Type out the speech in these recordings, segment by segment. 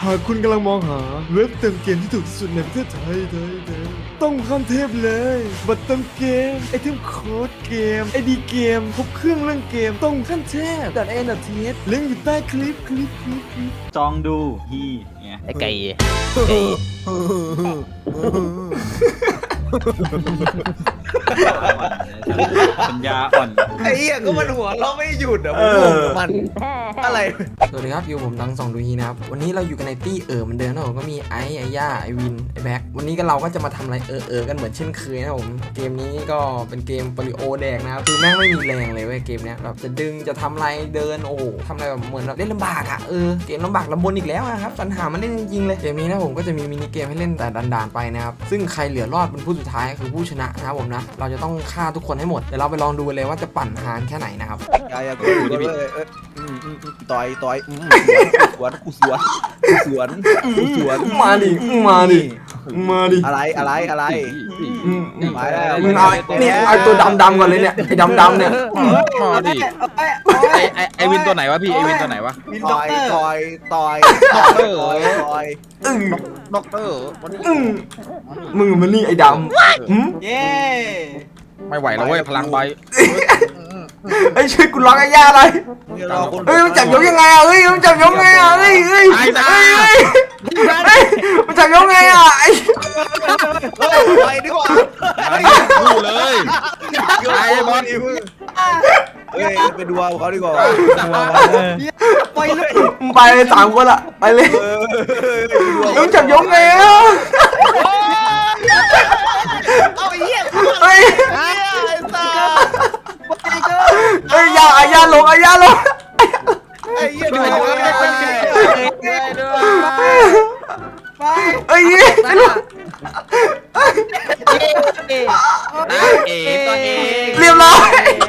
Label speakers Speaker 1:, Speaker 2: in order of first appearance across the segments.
Speaker 1: หากคุณกำลังมองหาเว็บเติมเกมที่ถูกที่สุดในประเทศไทยต้องข้ามเทพเลยบัตรเติมเกมไอเทมโค้ดเกมไอดีเกมครบเครื่องเรื่องเกมต้องขั้นเทพ.n.th ลิงก์อยู่ใต้คลิป
Speaker 2: จองดูฮีไง
Speaker 3: ไอ้ไก่
Speaker 2: ปัญญาอ่อน
Speaker 4: ไอ้เหี้ยก็มันหัวเราะไม่หยุดอ่ะมันอะไร
Speaker 5: สวัสดีครับอยู่ผมดังสองดูฮีนะครับวันนี้เราอยู่กันในตี้เหมือนเดิมนะผมก็มีไอ้ย่าไอวินไอแบ็ควันนี้ก็เราก็จะมาทำอะไรกันเหมือนเช่นเคยนะผมเกมนี้ก็เป็นเกมโปลิโอแดกนะครับคือแม่งไม่มีแรงเลยเว้ยเกมเนี้ยแบบจะดึงจะทำอะไรเดินโอ้โหทำอะไรแบบเหมือนแบบเล่นลำบากอ่ะเกมลำบากลำบนอีกแล้วนะครับปัญหามันเล่นจริงๆเลยเกมนี้นะผมก็จะมีมินิเกมให้เล่นแต่ด่านๆไปนะครับซึ่งใครเหลือรอดเป็นผู้สุดท้ายคือผู้ชนะนะครับผมนะเราจะต้องฆ่าทุกคนให้หมดเดี๋ยวเราไปลองดูเลยว่าจะปั่นฮานแค่ไหนนะครับ
Speaker 4: อย่ากูอยู่ดิต่อยสวน
Speaker 5: มาดิ
Speaker 4: อะไรมาแล้ว
Speaker 5: มึงเอาเนี่ยเอาตัวดำก่อนเลยเนี่ยไอ้ดำเนี่ย
Speaker 3: มาดิไอวินตัวไหนวะพี่ไอวินตัวไหนวะ
Speaker 4: ต่อย
Speaker 3: ด็อกเตอร์
Speaker 5: มึงมันนี่ไอ้ดำ
Speaker 4: เย้
Speaker 3: ไม่ไหวแล้วเว้ยพลังใบ
Speaker 5: ไอ้ช่วยกูล็อกไอ้ย่าเลยเฮ้ยมันจับยกยังไงอ่ะเฮ้ยมันจับยกไงอ่ะเฮ้ยมันจับยกไงอ่ะไอ้
Speaker 4: ไปดีกว่า
Speaker 3: คู่เลยไอ้บอล
Speaker 4: เฮ้ยไปดูเขาดีกว่า
Speaker 5: ไปเลยไปเลย3 คนละไปเลยมันจับยกไงอ่ะ
Speaker 4: เอาไอ้เหี้ย
Speaker 5: เฮ้ย
Speaker 4: ไอ้สัส
Speaker 5: เฮ้ยย่าลง
Speaker 4: ไอ้เหี้ยดู
Speaker 5: เฮ้ย
Speaker 3: ตัวเอง
Speaker 5: เรียบร้อย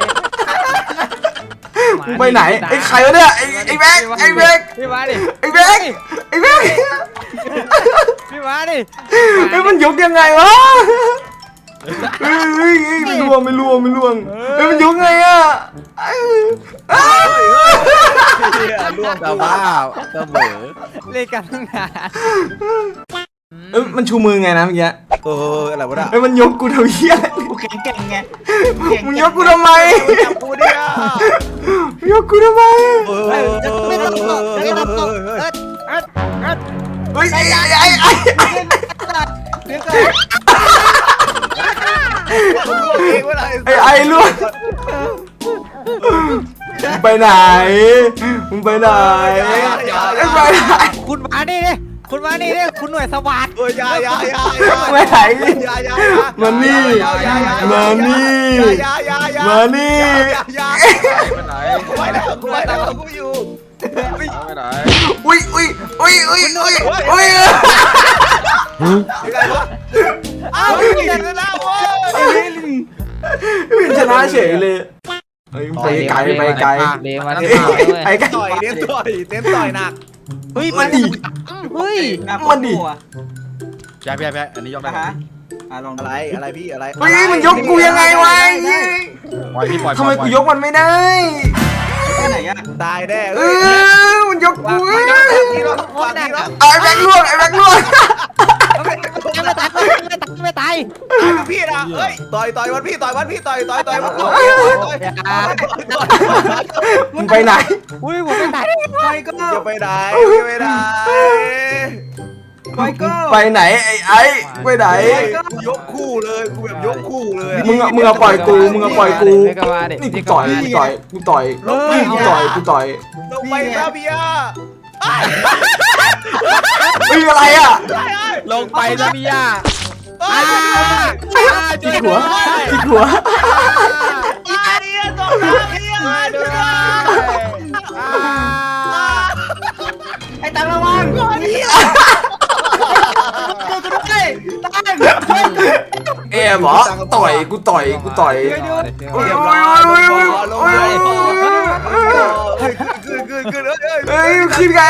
Speaker 5: ไปไหนไอ้ใครวะเนี่ยไอ้แบ็ค
Speaker 3: พี่มาดิ
Speaker 5: ไอ้แบ็ค
Speaker 3: พี่มาดิ
Speaker 5: ไอ้มันยกยังไงวะไม่ล่วงไอ้มันยกไงอ่ะ
Speaker 4: ล่วง
Speaker 3: กระบ้าเสมอเล่นกันตั้งนาน
Speaker 5: มันชูมือไงนะเมื่อกี้
Speaker 4: อะไรวะน่ะ
Speaker 5: ไอ้มันยกกูทำเหี้ย
Speaker 4: กูเก่งไง
Speaker 5: มึงยกกูทำไม
Speaker 4: จับกูเนี่ย
Speaker 5: ยกกูทำไม
Speaker 4: ไม่ต้องตก
Speaker 5: เฮ้ยไอ้ ไอ้ล่วงไปไหนมึงไปไหน
Speaker 3: คุณมาดิคุณมาดิคุณหน่วยสวัสดิ์
Speaker 4: อย่า
Speaker 5: ไปไหนมานี่มานี่
Speaker 4: ไปแล้วกูอยู่
Speaker 3: ไปไหน
Speaker 5: อุ้ย
Speaker 4: อ้าวเก่งแล้วเว้ย
Speaker 5: วินชนะเฉยเลยไปไกล
Speaker 3: เลี้ยงมาที่มาด้วย
Speaker 5: ไอ้ไกล
Speaker 4: ต่อยเน้นต่อยหนัก
Speaker 3: เฮ้ย
Speaker 5: มันดิ
Speaker 3: มันดิพี่อันนี้ยกได้ไหม
Speaker 4: อะไรพี่อะไร
Speaker 5: เฮ้ยมันยกกูยังไงวะ
Speaker 3: ปล่อยพี่ปล่อย
Speaker 5: ทำไมกูยกมันไม่ได้
Speaker 4: ตายแน่
Speaker 5: มันยกกู
Speaker 4: ไอ้
Speaker 5: ไอ้แบงค์ล่วง
Speaker 3: ไม่ตาย
Speaker 4: พี่นะเฮ้ยต่อยวันพี่ต่อยมัน
Speaker 5: มึงไปไหน
Speaker 3: อุ้ยผมไม่ตาย
Speaker 4: จะไปไหน
Speaker 5: ไปไหนไอ้ไปไหน
Speaker 4: ยกคู่เลยกูแบบยกคู่เลย
Speaker 5: มึงเอาปล่อยกู
Speaker 3: ไม่ก็มาดิ
Speaker 5: นี่กูต่อยกูต่อย
Speaker 4: ลงไปแล้วพี่อ่ะ
Speaker 5: อะไรอ่ะ
Speaker 3: ลงไปนะพี่ย่า
Speaker 5: จิกหัว
Speaker 4: ไอ้ตังระวัง
Speaker 5: เอ๋หรอต่อยกูต่อยเฮ้ยขึ้นไง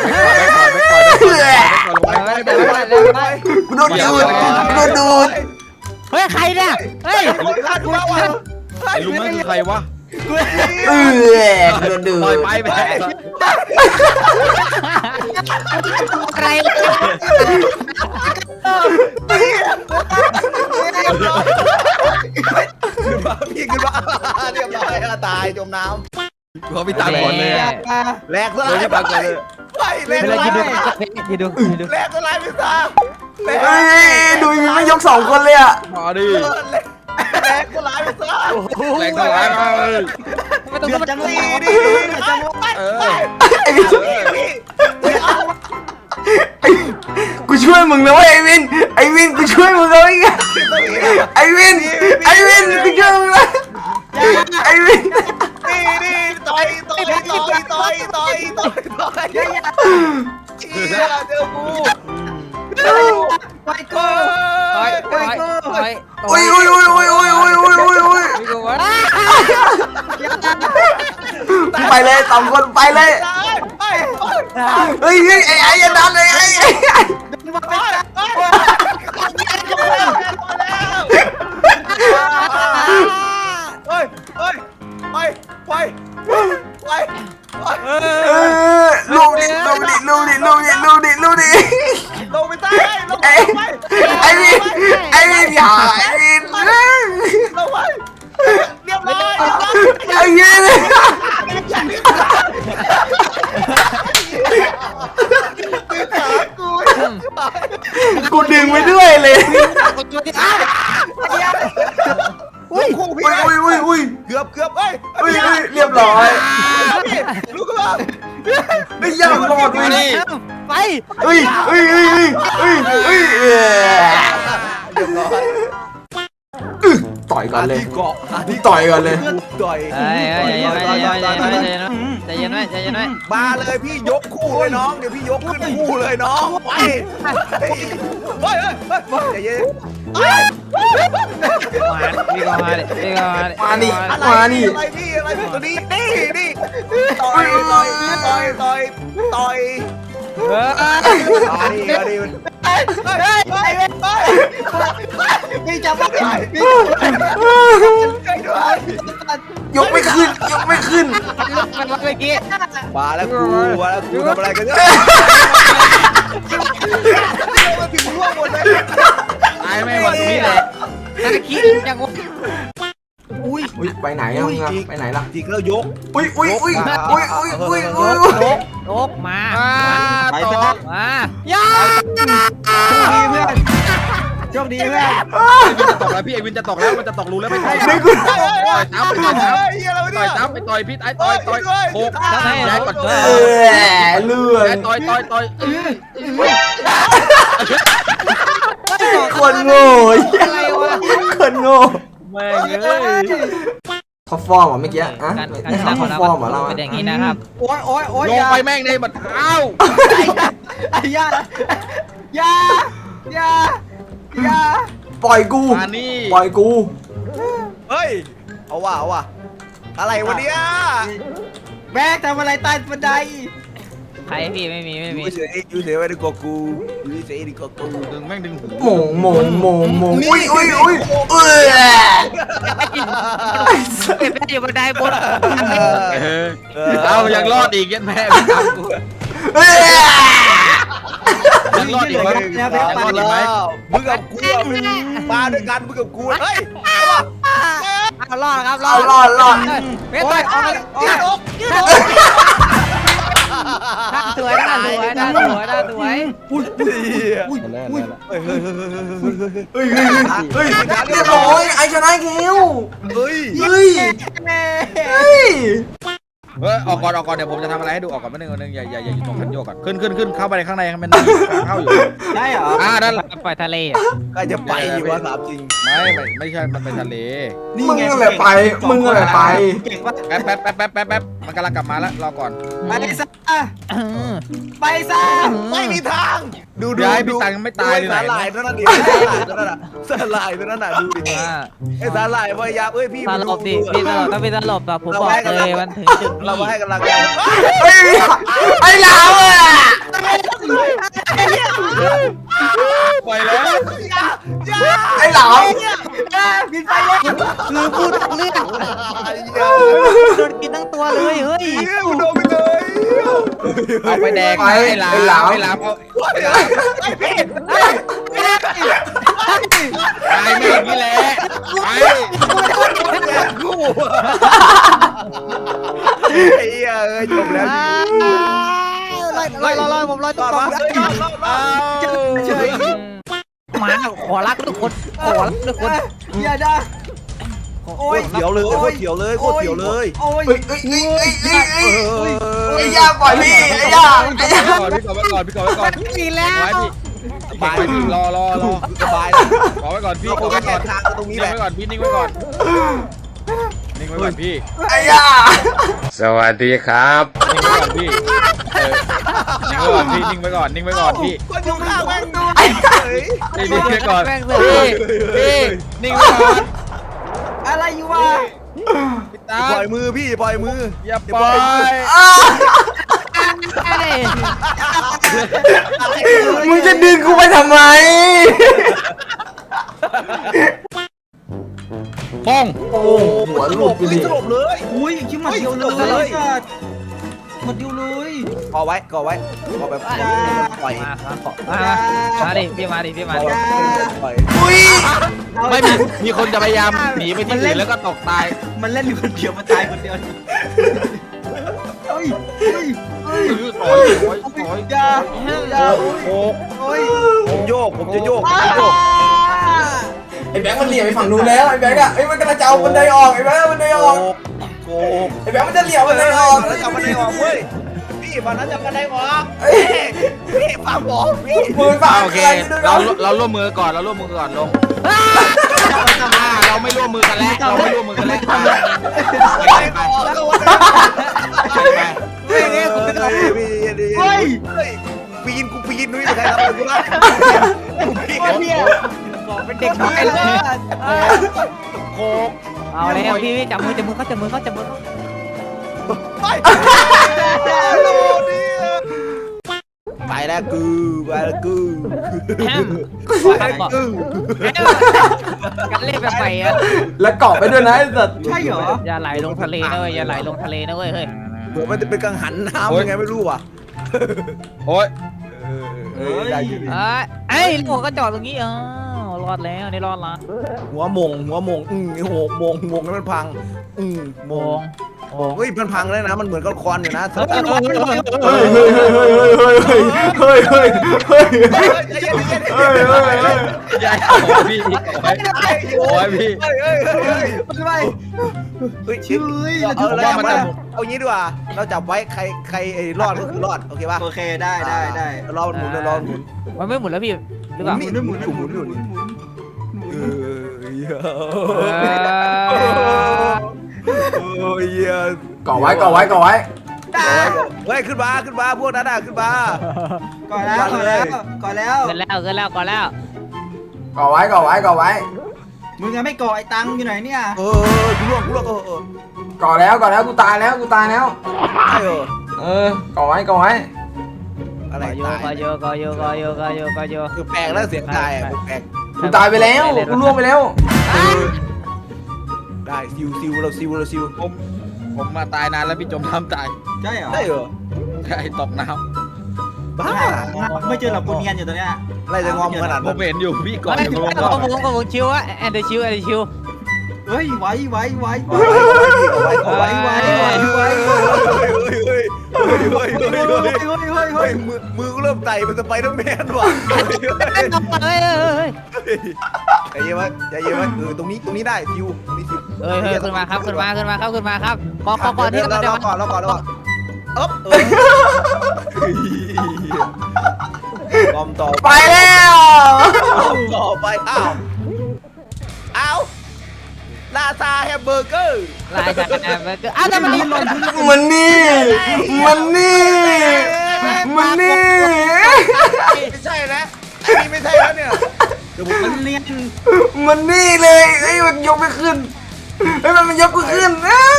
Speaker 5: กูโดนดูด
Speaker 3: เฮ้ยใครเนี่ยเฮ้ย
Speaker 4: ไอ้
Speaker 3: ไอ้ลุงนั่นคือใครวะ
Speaker 5: โดนดื้อ
Speaker 3: ปล่อยไปแพ้
Speaker 6: อะไร
Speaker 4: ขึ้นมาพี่ขึ้นมาเรียบร้อยตายจมน้
Speaker 3: ขอพี่ตามก่อนเลย
Speaker 4: ำแหลกสลาย
Speaker 3: พี่ตามก่อนเลย
Speaker 4: ไปแหลก
Speaker 6: ไม่
Speaker 4: ส
Speaker 6: เลย
Speaker 4: ลาย
Speaker 6: คิดดู
Speaker 4: แหลกสลายพี่ตาแหลก
Speaker 5: เฮ้ยดูมีไม่ยก2 คนเลยอ่ะ
Speaker 3: มาดิ
Speaker 4: แหลกสลายพี่ตา
Speaker 3: แรงเท่าไหร่มา
Speaker 6: ไม่ต้อง
Speaker 4: เดือด
Speaker 6: มา
Speaker 4: จั
Speaker 6: จั
Speaker 4: ง
Speaker 6: ง
Speaker 4: เล
Speaker 6: เลย ย
Speaker 4: ดิจังไปไป
Speaker 5: ไอ้วิน กูช่วยมึงนะเว้ยไอ้วินกูช่วยมึงเลยไอ้วินกูช่วยมึงนะไอ้วิน
Speaker 4: นี่ต่อยเจอกู
Speaker 6: ไปกูไปกูไป
Speaker 5: โอ้ย
Speaker 6: ไปกูวะ
Speaker 5: ไปเลย2 คนไปเลยเฮ้ยไอ้ยันดันเลยไอ้ ลูกดิ
Speaker 4: ลงไปใต้ลงไป
Speaker 5: ไอ้วินอย่าไอ้วิน
Speaker 4: ลงไปเรียบร้อย
Speaker 5: ไอ้วินกูดึงไปด้วยเลย
Speaker 4: อุ้ยคู่พี่
Speaker 5: อุ้ย
Speaker 4: เกือบเอ้ย
Speaker 5: เรียบร้อย
Speaker 4: ลูกก็มา
Speaker 5: ไม่ยากรอด
Speaker 3: มาดิ
Speaker 6: ไป
Speaker 5: เฮ้ย
Speaker 4: เรียบร้อย
Speaker 5: ต่อยก่อนเลย
Speaker 4: ที่เกาะ
Speaker 5: ต่อยก่อนเลย
Speaker 4: ต่อย
Speaker 6: ใจเย็นไว้ใจเย็นไว้
Speaker 4: มาเลยพี่ยกคู่เลยน้องเดี๋ยวพี่ยกขึ้นคู่เลยน้องไปใจเย็น
Speaker 6: พี่ก็มาดิพี่ก็มาดิ
Speaker 5: มานี่
Speaker 4: อะไรพี่ตัวนี้นี่ต่อยพี่จะไม่ได้พี่ใจด้วย
Speaker 5: ยกไม่ขึ้น
Speaker 6: มันเมื่อกี้
Speaker 4: มาแล้วกูทำอะไรกันเนี่ยมาถึงร่วงหมดเลย
Speaker 3: ตายไม่วันนี้แหละ
Speaker 6: น่าคิดจังวะ
Speaker 4: อุ้ย
Speaker 5: ไปไหนอ่ะมึงอะไปไหนล่ะ
Speaker 4: จิกแล้วยก
Speaker 5: อุ้ย
Speaker 6: โลกมา
Speaker 3: ไปต่อ
Speaker 6: มาย่า
Speaker 4: โชคดีเพื่อน
Speaker 3: ไอ้วินจะตกแล้วพี่ไอ้วินจะตกแล้วมันจะตกรูแล้วไม่ต่อย
Speaker 5: นึกกู
Speaker 3: ต่อยทับไปต่อยทับ
Speaker 4: เฮียอะไร
Speaker 3: ต่
Speaker 4: เนี่
Speaker 3: อย
Speaker 4: ย
Speaker 3: ทับไปต่อยพี่ไอ้ต่อยโคกย้ายก่อน
Speaker 5: เลื่อน
Speaker 3: ต่อย
Speaker 5: คนโง่
Speaker 6: อะไรวะ
Speaker 5: คนโง่
Speaker 3: แม่งเอ้ย
Speaker 5: ท็อปฟอร์มเหรอเมื่อกี้อะ
Speaker 6: การ
Speaker 5: ไม่ท็อปฟอร์มเหรอเรา
Speaker 6: เป็นอย่างนี้นะครับ
Speaker 4: โอ้ย
Speaker 3: ลงไปแม่งในบัดเท้า
Speaker 4: อย่า
Speaker 5: ปล่อยกู
Speaker 3: มานี่
Speaker 5: ปล่อยกู
Speaker 4: เฮ้ยเอาว่ะอะไรวะเนี่ย
Speaker 7: แม่ทำอะไรใต้บันได
Speaker 6: ใครพี่ไม่มี
Speaker 4: อยู่เฉยไว้ดีกว่ากูอยู่เฉยดีกว่ากู
Speaker 3: ดึงแม่งดึงหู
Speaker 5: หมงอุ้ย
Speaker 6: เก็บได้อยู่บันไดบน
Speaker 3: เอายังรอดอีกยันแม่ตามกูยังรอดอีกไหมยังรอดอีกไหม
Speaker 4: มึงกับกูมาด้วยกันมึงกับกูเฮ้ย
Speaker 6: เอารอดครับ
Speaker 5: รอด
Speaker 6: เว้ยต่อย
Speaker 4: ยืดอก
Speaker 6: สวยน่าสวย
Speaker 5: เรียบร้อยไอชนะเกล
Speaker 4: เฮ้ย
Speaker 5: เฮ้ย
Speaker 3: ออกก่อนเดี๋ยวผมจะทำอะไรให้ดูออกก่อนไม่นึงอย่าอยู่ตรงคันโยกก่อนขึ้นเข้าไปในข้างในมันเข้าอยู่
Speaker 7: ได้เหรอ
Speaker 3: นั่นแหละ
Speaker 6: ปล่อยทะเล
Speaker 4: ใครจะไปอยู่วะถามจริง
Speaker 3: ไม่ใช่มันเป็นทะเล
Speaker 5: มึงอะไรไป
Speaker 3: แป๊บมันกำลังกลับมาแล้วรอก่อน
Speaker 7: ไปซะไปซะ
Speaker 4: ไม่มีทางดู
Speaker 3: ย้ายพี่ตังไม่ตายเลย
Speaker 4: สาหร่ายตัวนั้นดิสาหร่ายตัวนั้นน่ะดูดิไอ้สาหร่ายพยายามพี่
Speaker 6: ตลบดิพี่ตลบต้องเป็นตลบแบบผมบอกเลยมันถึงจุด
Speaker 4: เรา
Speaker 6: นี้
Speaker 4: ให้กำลังใจ
Speaker 5: ไอ้เหลาอ่ะ
Speaker 3: ปล่อยแล้ว
Speaker 5: ไอ้เหลา
Speaker 7: บินไปเลย
Speaker 6: คือพูดเรื่องโดนกินทั้งตัวเลยเฮ้ย
Speaker 4: กูโดนไปเลย
Speaker 3: เอาไปแดง
Speaker 5: ไป
Speaker 3: ไอ้หลาม
Speaker 5: ไอ้หลาม
Speaker 3: ไอ้หลามเอาตายไม่อย่างนี้แหละไป
Speaker 4: กูไอ้เหี้ยจบแล้ว
Speaker 6: ลอยผมลอย
Speaker 4: ต่
Speaker 6: ตุ๊
Speaker 4: อก
Speaker 6: ต
Speaker 4: มา
Speaker 6: เฉยหมาขอรักทุกคนขอรักทุกคน
Speaker 7: อย่าด่า
Speaker 4: โอ้ยเขียวเลยโคตรเขียวเลยโคตรเขียวเลย
Speaker 7: โอ้ย
Speaker 5: ไอ้ย่าปล่อยพี่ไอ้ย่าไอ้ย่า
Speaker 3: พี่ก่อนไว้ก่อนพี่ก่อนไว้ก่อน
Speaker 6: กินแล้ว
Speaker 3: ไว้พี่
Speaker 4: สบาย
Speaker 3: พี่รอ
Speaker 4: สบาย
Speaker 3: ขอไว้ก่อนพี่
Speaker 4: เรา
Speaker 3: ขอ
Speaker 4: แค่
Speaker 3: ไว้ก่อน
Speaker 4: ทางตรงนี้
Speaker 3: นิ่ง
Speaker 4: แหละ
Speaker 3: ไว้ก่อนพี่นิ่งไว้ก่อนนิ่งไว้ก่อนพี่
Speaker 5: ไอ้ย่า
Speaker 8: สวัสดีครับ
Speaker 3: นิ่งไว้ก่อนพี่นิ่งไว้ก่อนพี่นิ่งไว้ก่อนนิ่งไว้ก่อนพี่
Speaker 4: คนอยู่ข้างแม่งดูเฮ้ย
Speaker 3: นิ่งไว้ก่อน
Speaker 6: แม่งเล
Speaker 3: พี่
Speaker 6: ย
Speaker 3: พี่นิ่งไว้ก่อน
Speaker 7: อะไรอยู่วะ
Speaker 3: พี่ตา
Speaker 4: ปล่อยมือพี่ปล่อยมือ
Speaker 3: อย่าปล่อย
Speaker 5: มึงจะดึงกูไปทำไม
Speaker 3: ป้อง
Speaker 5: โอ้หัวหลุดไปดิ
Speaker 4: สลบเลย
Speaker 7: อุ้ยคิดมาเดียวเลยสัตว์หมดเดียวเลย
Speaker 4: ก่อไว้ก่อแบบปล่อย
Speaker 6: มาครับมาดิพี่มาดิพี่มาดิ
Speaker 4: ปล่อย
Speaker 5: อุ้ย
Speaker 3: ไม่มีคนจะพยายามหนีไปที่อื่นแล้วก็ตกตาย
Speaker 7: มันเล่นอยู่คนเดียวมันตายคนเดียวเฮ้ยเฮ้ยเฮ้ย
Speaker 3: โอ้ยโอ้ยโอ้ย
Speaker 7: อย่าอย่า
Speaker 4: โอ้
Speaker 7: โอ้ย
Speaker 4: ผมโยกผมจะโยก
Speaker 5: ไอ้แบงค์มันเหลี่ยมไปฝั่งนู้นแล้วไอ้แบงค์อะไอ้มันกำลังจะเอาบันไดออกไอ้แบงค์เอาบันไดออก
Speaker 4: โก
Speaker 5: ไอ้แบงค์มันจะเหลี่ยมบันไดออก
Speaker 4: แล้วจะบันไดออกเว้ยพี่วันนั้นจะบันไดออกพี่ฟังบอกพี่
Speaker 5: มือฝั่ง
Speaker 3: โอเค เราร่วมมือก่อนเราร่วมมือก่อนลงเราไม่ร่วมมือกันแล้วเราไม่ร่วมมือกันแล้ว
Speaker 4: บันไดออกก็วันนั้นเฮ้ยปีนกูปีนนุ้ยใครทำกูได้กูปีนเนี่ย
Speaker 6: เป็นเด็กน้อยเลย
Speaker 3: โคก
Speaker 6: เอาแล้วพี่จับมือเขาจับมือเขา
Speaker 4: ไปแล้วกูไปแล้วกู
Speaker 6: กันเล่นแบบใหม่อะ
Speaker 5: แล้วเกาะไปด้วยนะไอ้สัตว์
Speaker 7: ใช่เหรอ
Speaker 6: อย่าไหลลงทะเลนะเว้ยอย่าไหลลงทะเลนะเว้ยเฮ้ย
Speaker 4: ผมมันจะเป็นกังหันน้ำยังไงไม่รู้ว่ะ
Speaker 3: โอ้ย
Speaker 4: ได้อยู่
Speaker 6: ไอ้ลูกก็จอดตรงนี้รอดแล้วนี่รอดละ
Speaker 4: หัวมงหัวมงโหมงแล้วมันพังมงเฮ้ยมันพังเลยนะมันเหมือนกับควันอยู่นะ
Speaker 5: เฮ้ยเฮ้ยเฮ้ยเฮ้ย
Speaker 3: ยายโอ้ยพี่โอ้ยพี่
Speaker 7: ไม่ไหว
Speaker 4: เฮ้ยชิบเอางี้ดีกว่าเราจับไว้ใครรอดก็คือรอดโอเคป่ะ
Speaker 7: โอเคได้ได้
Speaker 4: รอหมุนรอหมุน
Speaker 6: มันไม่หมุนแล้วพี่หรือเปล่า
Speaker 4: หมุนอยู่โอ้ย
Speaker 5: เกาะไว้เกาะไว้เกาะไว้
Speaker 4: เฮ้ยขึ้นมาพวกนั้นขึ้นมา
Speaker 7: ก่อนแล้วก่อนแล้วก่อนแล้ว
Speaker 6: เกินแล้ว
Speaker 5: เกาะไว้เกาะไว้เกาะไว้
Speaker 7: มึงยังไม่ก่อไอ้ตังอยู่ไหนเนี่ย
Speaker 4: กูล่วง
Speaker 5: เกาะแล้วกูตายแล้ว
Speaker 4: ใช่
Speaker 5: เกาะไว้เกาะไว้
Speaker 4: อะไร
Speaker 6: ก็โย
Speaker 4: คือแปลกแล้วเสียงตายแปลก
Speaker 5: กูตายไปแล้วกูล่วงไปแล้ว
Speaker 4: ได้ซิวเราซิว
Speaker 3: ผมมาตายนานแล้วพี่จมน้ำตาย
Speaker 7: ใช่เหรอ
Speaker 4: ได้เหรอ
Speaker 3: ใช่ตกน้
Speaker 4: บ้า
Speaker 7: ไม่เจอหรอกกูเนียนอยู่ตรงเนี้ย
Speaker 4: อะไรจะงอมขนาด
Speaker 3: ำผ
Speaker 4: นั้
Speaker 3: ม
Speaker 4: น
Speaker 3: เห็นอยู่พี่ก่อน
Speaker 6: ไม่
Speaker 3: จะลง
Speaker 6: ผมชิวอะแอนเดอร์ชิว
Speaker 7: เฮ้ยไว้
Speaker 4: มือกูเริ่มไต่เป็นสไปเดอร์แมนว่ะ
Speaker 6: เฮ้ย
Speaker 4: ใจเย็นไว้ตรงนี้ได้ซิวนี่ซิว
Speaker 6: ขึ้นมาครับก่อนที่เราจะ
Speaker 4: รอก่อนอ๊บบอมต่อ
Speaker 5: ไปแล้ว
Speaker 4: ต่อไปอ้าวลาซาแฮมเบอร์เกอร์
Speaker 6: ลายจากแอนเบอร์เกอร์อ้าวแต่มันนี่ลง
Speaker 5: มันนี่
Speaker 4: ไม่ใช่แล้วไอ้นี่ไม่ใช่แล้วเนี่ยเดี๋ยวผม
Speaker 7: มันเนียน
Speaker 5: มันนี่เลยไอ้มันยกไม่ขึ้นไอ้มันยกไม่ขึ้น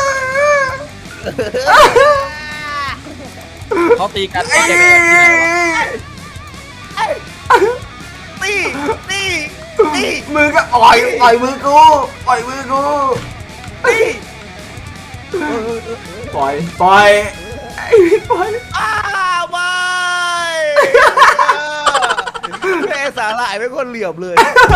Speaker 3: เขาตีกัน
Speaker 5: ไอ้
Speaker 4: ตี
Speaker 5: มือก็ปล่อยมือกูปล่อยมือกูปล่อยไอ้ปล่อย
Speaker 4: อ้าวไม่แม่สาหร่ายไม่คนเหลี่ยมเลย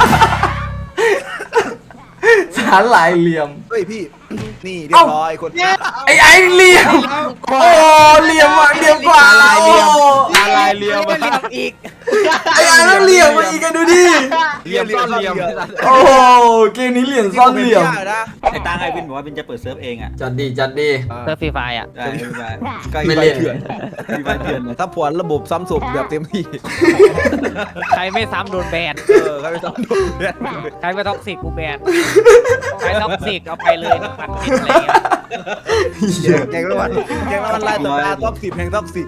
Speaker 5: สาหร่ายเหลี่ยม
Speaker 4: เฮ้ยพี่ นี่เรียบร้อยคน
Speaker 5: ไอ้เหลี่ยมโอ้เหลี่ยมอ่ะเหลี่ยมกว่า
Speaker 3: อะไรเหลี่ยม
Speaker 5: โอ้
Speaker 3: อะไรเหลี่ยม
Speaker 6: ไม่เรียบอีก
Speaker 5: ไอ้ต้องเหลี่ยมมาอีกกันดูดิ
Speaker 3: เหลี่ยมซ่อนเหลี่ยม
Speaker 5: โอ้เกมนี้เหลี่ยมซ่อนเหลี่ยม
Speaker 4: นะ
Speaker 2: ไอ้ตังไอวินบอกว่าวินจะเปิดเซิร์ฟเองอ่ะ
Speaker 5: จัดดี
Speaker 6: เซิร์ฟฟรีไฟอ่ะ
Speaker 2: ได้ไม่เป็นไร
Speaker 5: ไม่เล่น
Speaker 2: มีใบเถื่อนเลย
Speaker 4: ถ้าผวนระบบซ้ำศพแบบเต็มที่
Speaker 6: ใครไม่ซ้ำโดนแบน
Speaker 4: ใครไปซ้ำโดนเนี่ย
Speaker 6: ใครไม่ท็อกซิกกูแบนใครท็อกซิกเอาไปเลย1,000 อะไรเงี้ย
Speaker 4: แกงละวันไล่ตัวตาท็อป10แห่งท็อป10